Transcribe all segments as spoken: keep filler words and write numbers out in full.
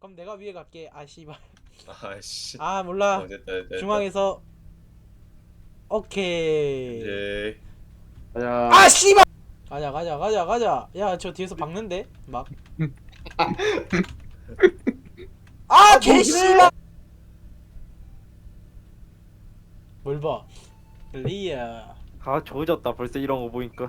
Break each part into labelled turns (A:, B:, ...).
A: 그럼 내가 위에 갈게. 아 씨발.
B: 아씨.
A: 아 몰라.
B: 어, 됐다, 됐다, 됐다.
A: 중앙에서. 오케이.
B: 이제
C: 가자.
A: 아 씨발. 가자 가자 가자 가자. 야 저 뒤에서 박는데 막. 아 개씨발. 뭘 봐. 리아.
D: 아 조졌다 벌써 이런 거 보니까.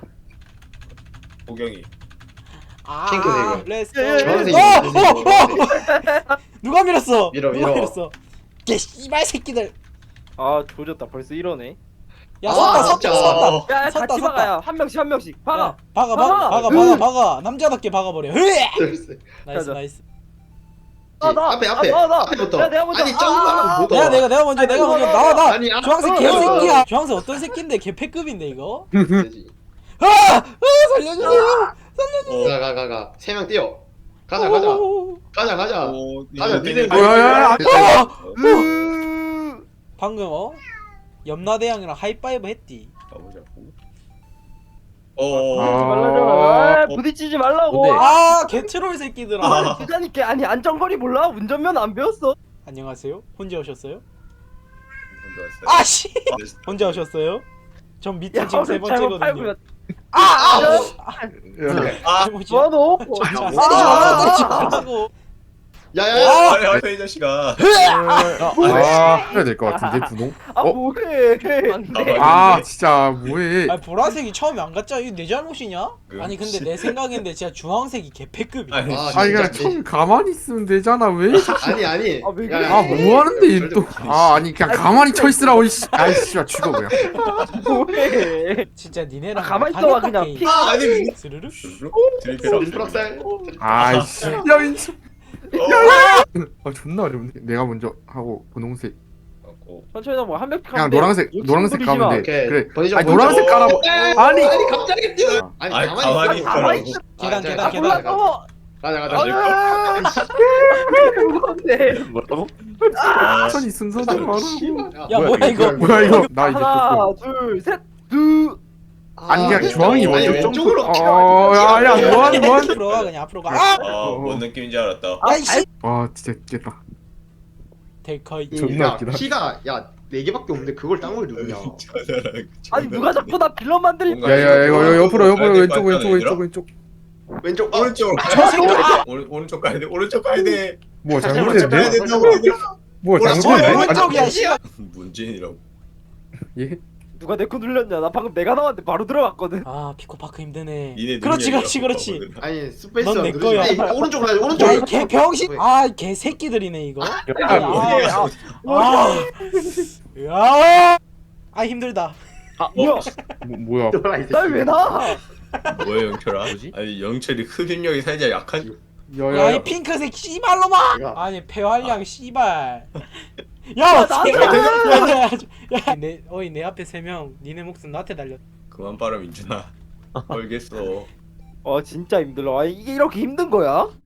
B: 보경이.
A: 아
C: 핑크색이요.
A: 렛츠
D: 예, 예, 예.
C: 주황색이
A: 고. 어, 어,
C: 주황색.
A: 어. 누가 밀었어?
C: 밀어,
A: 누가
C: 밀어.
A: 밀었어? 개 씨발 새끼들.
D: 아 조졌다 벌써 이러네.
A: 야
C: 아,
A: 섰다 섰다
C: 진짜.
A: 섰다.
D: 야
A: 섰다,
D: 같이
A: 섰다.
D: 박아야 한 명씩 한 명씩 박아.
A: 야, 박아 박아
D: 박아.
A: 박아 박아 박아 남자답게 박아버려. 으에!
C: 글쎄.
A: 나이스
D: 가자.
A: 나이스.
D: 아, 나.
C: 앞에 앞에
D: 아, 나, 나.
C: 앞에부터.
D: 야, 내가 먼저.
C: 아니
D: 아,
C: 점프하면 못
A: 내가
C: 와.
A: 내가 내가 먼저
D: 아니,
A: 내가
D: 너,
A: 먼저
D: 너,
A: 나와 나.
C: 아니, 아,
A: 주황색
D: 어,
A: 개새끼야. 주황색 어떤 새끼인데 개패급인데 이거.
C: 되지.
A: 아! 아 살려주세요.
C: 가 가 가 가. 세 명 뛰어. 가자 가자.
A: 오.
C: 가자 가자.
B: 오,
C: 가자,
B: 이제
C: 니네
B: 땡겨.
C: 뭐야, 야, 야,
A: 아!
D: 으.
A: 방금 어? 염라대왕이랑 하이파이브 했디.
B: 가보자고. 어.
D: 부딪히지 말라고. 아, 부딪히지 말라고.
C: 뭔데?
A: 아 개트롤 새끼들아.
B: 아.
D: 부자니까 아니 안전거리 몰라? 운전면 안 배웠어.
A: 안녕하세요. 혼자 오셨어요?
B: 혼자 왔어요.
A: 아씨. 혼자 오셨어요? 전 미팅 지금 세
D: 잘못
A: 번째거든요.
D: 밟으면.
A: 아! 아!
B: 아,
A: 잘못이야.
D: 뭐너?
A: 자,
C: 뭐-
A: 때리지 말라 때리지 말라고.
C: 야야야.
B: 아, 야, 이 자식아.
E: 아, 해야 될 것 같은데 분홍?
D: 아
E: 어?
D: 뭐해? 안돼.
E: 아 진짜 뭐해?
A: 아 보라색이 처음에 안 갔잖아. 이거 내 잘못이냐?
B: 그,
A: 아니 근데
B: 씨.
A: 내 생각인데 진짜 주황색이 개패급이야.
B: 아니,
C: 아,
E: 아니
C: 진짜.
E: 그냥 처음 가만히 있으면 되잖아 왜?
C: 아니 아니.
D: 아, 왜
C: 야,
D: 그래?
C: 야,
E: 아 뭐 하는데 또? 아 아니 그냥 가만히 쳐 있으라고 이씨. 아이씨 죽어 그냥.
D: 뭐해?
A: 진짜 니네랑
D: 아, 가만히
A: 당했다,
D: 있어봐, 그냥.
A: 게임.
D: 피-
B: 아, 아니.
A: 스르르?
B: 드리페라.
C: 프락살.
E: 아이씨. 야 민수.
B: 어.
E: 아 존나 어려운데. 내가 먼저 하고 분홍색.
B: 갖고.
D: 천천히 뭐한 명씩
E: 그냥
D: 하면 돼.
E: 노란색
D: 욕심
E: 노란색
D: 부리지
E: 가면
D: 마.
E: 돼.
C: 오케이.
E: 그래.
C: 번지점
E: 아니
C: 번지점.
E: 노란색 깔아. 아니.
C: 아니 갑자기 뛰어. 아니
B: 아니,
C: 가만히
B: 가만히
C: 있어.
B: 있어라고.
D: 가만히 있어.
A: 계단,
C: 아,
A: 계단,
C: 자,
A: 계단.
C: 가자,
D: 올라가.
C: 가자 가자.
D: 아, 무거운데.
E: 뭐라고?
B: 아,
E: 천천히 순서대로 하라고.
A: 야 뭐야 이거?
E: 뭐야 이거? 나 이제
D: 하나,
E: 또.
D: 둘, 셋, 둘.
E: 아니 그냥
C: 아,
E: 주황이
C: 아니,
E: 먼저
C: 왼쪽으로
E: 점프.
C: 키가
E: 어, 야야 뭐하는 뭐하는?
A: 앞으로 가 그냥 앞으로 가. 아!
B: 아, 뭔 느낌인지 알았다.
D: 아,
A: 야이씨.
E: 와 진짜 웃겠다.
A: 데카이.
E: 존나
C: 야,
E: 웃기다.
C: 키가 야네 개밖에 없는데 그걸 땅을 누르냐?
D: 아니 누가 자꾸 나 빌런 만들리?
B: 뭔가
E: 야야 이거 이거 옆으로 옆으로
B: 가야 될
E: 왼쪽
B: 것
E: 왼쪽
B: 같다,
E: 왼쪽 왼쪽.
C: 왼쪽 아,
B: 오른쪽.
A: 저 새끼. 아!
B: 오른 오른쪽 가야 돼. 오른쪽 가야 돼.
E: 뭐
B: 가야
E: 잘못했네?
B: 된다고.
E: 뭐
B: 뭐라,
A: 저
E: 잘못했네?
A: 오른쪽이야 씨발.
B: 문진이라고.
E: 예?
D: 누가 내 거 눌렸냐? 나 방금 내가 나왔는데 바로 들어갔거든.
A: 아 피코파크 힘드네.
B: 니네
A: 그렇지 그렇지
B: 능력이라고
A: 그렇지.
B: 보거든.
C: 아니 스페이스
A: 넌내
C: 누르지
A: 거야.
C: 마. 에이, 오른쪽으로 가야 돼 오른쪽.
A: 야이 개병신. 아 개새끼들이네 이거.
E: 아,
A: 아, 아, 야, 아 힘들다.
D: 아 뭐야?
E: 뭐, 뭐야?
C: 돌아 이제.
D: 날 왜 나?
B: 뭐야 영철아?
E: 뭐지?
B: 아니 영철이 흡입력이 살짝 약한.
A: 야 이
E: 야야야.
A: 핑크색 씨발로마.
C: 내가-
A: 아니 폐활량 씨발. 야,
D: 야,
A: 야, 내 어이 내 앞에 세 명, 니네 목숨 나한테 달려.
B: 그만 빨아 민준아. 알겠어.
D: 어 진짜 힘들어. 아 이게 이렇게 힘든 거야?